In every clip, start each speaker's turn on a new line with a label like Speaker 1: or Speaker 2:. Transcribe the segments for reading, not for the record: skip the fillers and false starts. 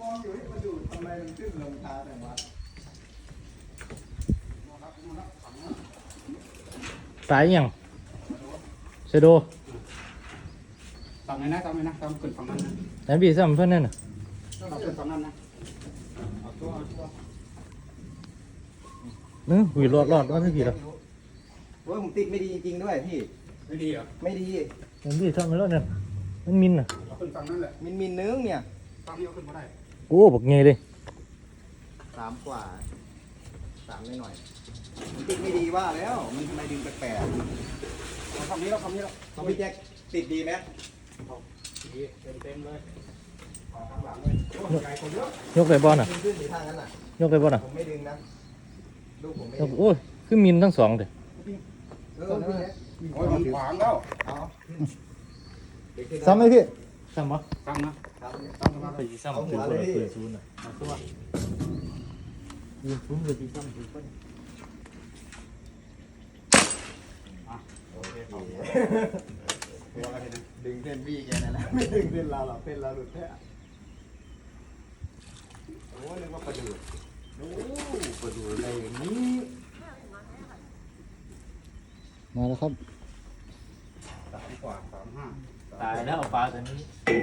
Speaker 1: องอยู่ที่มันดูทำไมมันขึ้นลงช้าแต่ว่า
Speaker 2: ตายยังเชโด
Speaker 3: ตามไหนนะตามไหนนะตามขึ้นฝั่งนั้นนะ
Speaker 2: ไหนพี่ซ้ำเพื่อนนั่นน่ะ
Speaker 3: ตามขึ้นฝั่งนั้นนะเอาตัว
Speaker 2: นึกหุยรอดว่าสักทีละ
Speaker 1: โอ้ยผมติดไม่ดีจริงๆด้วยพี่
Speaker 3: ไม่ดีเหรอ
Speaker 1: ไม่ดี
Speaker 2: เห็นพี่ซ้ำไปแล้วเนี่ยมันมินอ่ะ
Speaker 3: เอาขึ้นฝั่งนั้นแหละ
Speaker 1: มินนึงเนี่ย
Speaker 3: ฝั่งนี้เอาขึ้นมาได้
Speaker 2: โอ้บักเงยเลย
Speaker 1: 3 กว่า 3หน่อยๆมันติดไม่ดีว่าแล้วมันทำไมดึงแปลก
Speaker 3: เอาฝั่งนี้แล้วฝั่งนี้แล้ว
Speaker 1: ๆของพี่แจ็คติดดีไหม
Speaker 3: ดีเต็มเลยเอาข้างหลังเลยโอ้ใหญ่กว่าเยอะ
Speaker 2: ยกเลยบอลอ่ะ
Speaker 1: ดึงขึ้นสีทางนั้นน่ะ
Speaker 2: ยกเลยบอลอ่ะ
Speaker 1: ผมไม่ดึงนะลูกผมไม่
Speaker 2: ย
Speaker 1: ดึ
Speaker 2: ก
Speaker 1: ง
Speaker 2: โอ้ยคือมินทั้งสองเลย
Speaker 1: พี่แจ็ค
Speaker 3: โอ้ยมันขวางแล้ว
Speaker 1: เอาเดี๋ยวขึ้น
Speaker 2: ซ้ำไหมพี่ซ้ำปะ
Speaker 3: ตั้งนะ
Speaker 1: ครับ
Speaker 3: ตั้งมา
Speaker 2: ไปซ้ำถือคนละเปิดศูนย์อ่ะเอาตัวยืนซุ้มเลยที่ซ้ำถือคน
Speaker 1: โอเค
Speaker 3: ตัวอะไรเนี่ย
Speaker 1: ดึงเส้นพี่แกนั่นแหละไม่ดึงเส้นเราหรอกเส้นเราหลุดแท้โอ้นึกว่าปลาดุกโอ้ปลาดุกอะไรอย่างนี้
Speaker 2: มาแล้วครับ
Speaker 3: 3 กว่า35
Speaker 2: ตายแล้วปลาตัวนี้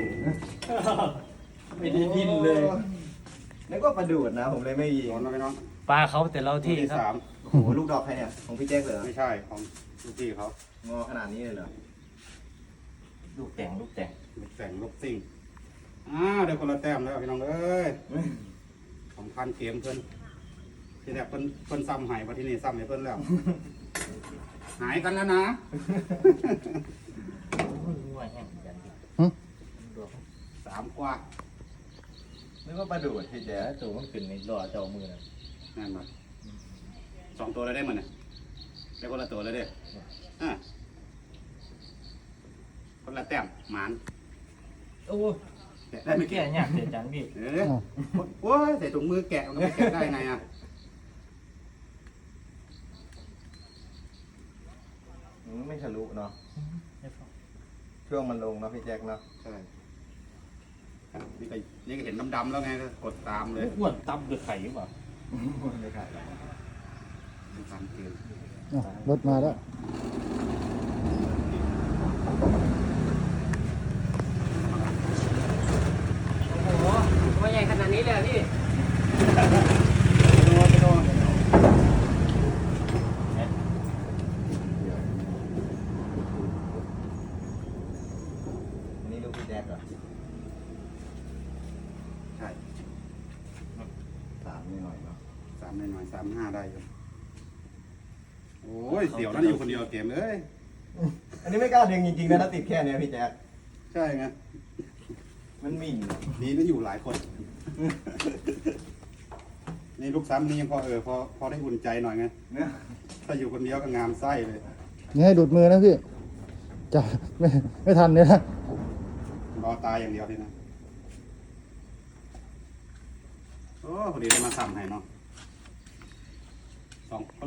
Speaker 2: ไม่ได้ดินเลย
Speaker 1: นึกว่าปลาดุกนะผมเลยไม่ยิง
Speaker 3: ร้อนแล้วไหมน้อง
Speaker 2: ปลาเขาแต่เราที่ครับ
Speaker 3: สาม
Speaker 1: โอ้โหลูกดอกใครเนี่ยของพี่แจ็คเหรอ
Speaker 3: ไม่ใช่ของลูกพี่เขา
Speaker 1: งอขนาดนี้เลยเหรอ
Speaker 2: ลูกแต่ง
Speaker 3: ลูกแต่งลูกซิ่งเดี๋ยวคนละแต้มแล้วพี่น้องเอ้ยสำคัญเกมเพิ่นที่แรกเพิ่นซ้ำหายมาที่นี่ซ้ำให้เพิ่นแล้ว หายกันแล้วนะ 3 กว่า
Speaker 1: นึกว่าปลาดุกพี่แจ็ค
Speaker 2: ตัวมันขึ้นในรอเจ้ามือนะ
Speaker 3: นั่นมา2 ตัวเลยได้มั้ยเนี่ยได้คนละตัวเลยเด้คนละแต้มหมาน
Speaker 2: โอ้
Speaker 3: ได้ไม่
Speaker 2: แก่
Speaker 3: แก่
Speaker 2: เนี่ยเสียจันพี่
Speaker 3: โอ้ยใส่ถุงมือแกะมันก็ไม่แกะได้ไงอ่ะ
Speaker 1: ไม่ทะลุเนาะช่วงมันลงเนาะพี่แจ็คเนาะ
Speaker 3: ใช่นี่ก็เห็นดำๆแล้วไงก็กดตามเลย
Speaker 2: อ้วนตับด้วยไข่หรือเปล่า
Speaker 1: ไม่ขาดหรอก
Speaker 3: ตามเกม
Speaker 2: รถมาแล้ว
Speaker 4: โอ้โหตัวใหญ่ขนาดนี้เลยเหรอพี่
Speaker 1: อันนี้ลูกพี่แจ็คเหรอ
Speaker 3: ใช่
Speaker 1: 3หน่อยๆเนาะ
Speaker 3: 3 หน่อยๆ3-5ได้อยู่โอ้ยเสี่ยวนั่นอยู่คนเดียวเกมเลย
Speaker 1: อันนี้ไม่กล้าดึงจริงๆนะถ้าติดแค่เนี้ยพี่แจ็ค
Speaker 3: ใช่ไง
Speaker 1: มันหมิ่น
Speaker 3: นี่นั่นอยู่หลายคน นี่ลูกซ้ำนี่ยังพอได้อุ่นใจหน่อยไง
Speaker 1: เนี่ย
Speaker 3: ถ้าอยู่คนเดียวก็งามไส้เลย
Speaker 2: นี่ให้ดูดมือนะพี่จับไม่ทันเนี่ยนะ
Speaker 3: รอตายอย่างเดียวทีนะโอ้พอดีได้มาซ้ำให้เนาะ